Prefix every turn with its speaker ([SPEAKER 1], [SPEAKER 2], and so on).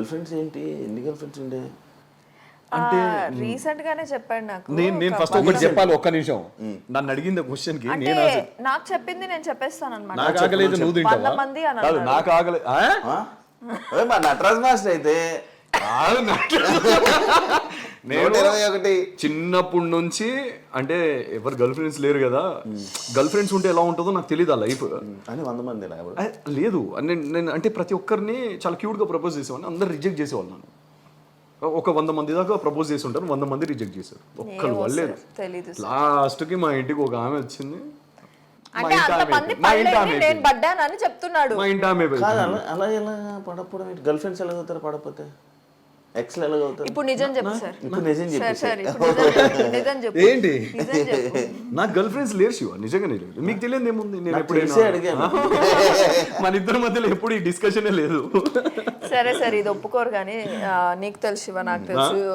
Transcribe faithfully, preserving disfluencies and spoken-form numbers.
[SPEAKER 1] Girl friends ఏంటి, ఎన్ని girl friends ఉండే?
[SPEAKER 2] అంటే రీసెంట్ గానే చెప్పాడు నాకు.
[SPEAKER 3] నేను నేను ఫస్ట్ ఒకటి చెప్పాలి, ఒక్క నిమిషం. నన్ను అడిగింది క్వశ్చన్ కి
[SPEAKER 2] అంటే నాకు చెప్పింది నేను చెప్పేస్తాను అన్నమాట.
[SPEAKER 3] నాకు ఆగలేదు, నువ్వు
[SPEAKER 2] వంద
[SPEAKER 3] తింటావా?
[SPEAKER 2] మంది అని
[SPEAKER 3] కాదు,
[SPEAKER 2] అన్నాడు.
[SPEAKER 3] నాకు ఆగలేదు.
[SPEAKER 1] మా నటరాజ్ మాస్టర్ అయితే
[SPEAKER 3] నేను
[SPEAKER 1] ఇరవై ఒకటి
[SPEAKER 3] చిన్నప్పటి నుంచి అంటే ఎవరు గర్ల్ ఫ్రెండ్స్ లేరు కదా, గర్ల్ ఫ్రెండ్స్ ఉంటే ఎలా ఉంటుందో నాకు తెలియదు ఆ లైఫ్
[SPEAKER 1] అని వంద మంది
[SPEAKER 3] లేదు. నేను నేను అంటే ప్రతి ఒక్కరిని చాలా క్యూట్గా ప్రపోజ్ చేసేవాడిని, అందరు రిజెక్ట్ చేసేవాళ్ళు. నన్ను ఒక వంద మంది దాకా ప్రపోజ్ చేసి ఉంటారు, వంద మంది రిజెక్ట్ చేశారు, ఒక్కరు వాళ్ళేదు. లాస్ట్కి మా ఇంటికి ఒక ఆమె వచ్చింది,
[SPEAKER 2] అంటే అంతమంది పడలేదు, నేను పడ్డానని చెప్తున్నాడు.
[SPEAKER 3] మా ఇంటి ఆమె
[SPEAKER 1] అలా ఎలా పడకపోవడం, గర్ల్ ఫ్రెండ్స్ ఎలా అవుతారు పడకపోతే, ఎక్స్ ఎలా అవుతారు?
[SPEAKER 2] ఇప్పుడు నిజం చెప్పు సార్.
[SPEAKER 1] ఇప్పుడు నిజం చెప్పు
[SPEAKER 2] సార్, ఇప్పుడు నిజం- నిజం చెప్పు.
[SPEAKER 3] ఏంటి
[SPEAKER 2] నిజం చెప్పు.
[SPEAKER 3] నాకు గర్ల్ ఫ్రెండ్స్ లేరు శివ, నిజంగానే లేదు. మీకు తెలియదు ఏముంది, నేను
[SPEAKER 1] తెలిసే
[SPEAKER 3] ఎప్పుడైనా
[SPEAKER 1] అడిగాను.
[SPEAKER 3] మన ఇద్దరి మధ్యలో ఎప్పుడు ఈ డిస్కషనే లేదు.
[SPEAKER 2] సరే సరే, ఇది ఒప్పుకోరు కానీ నీకు తెలుసు శివ, నాకు తెలుసు.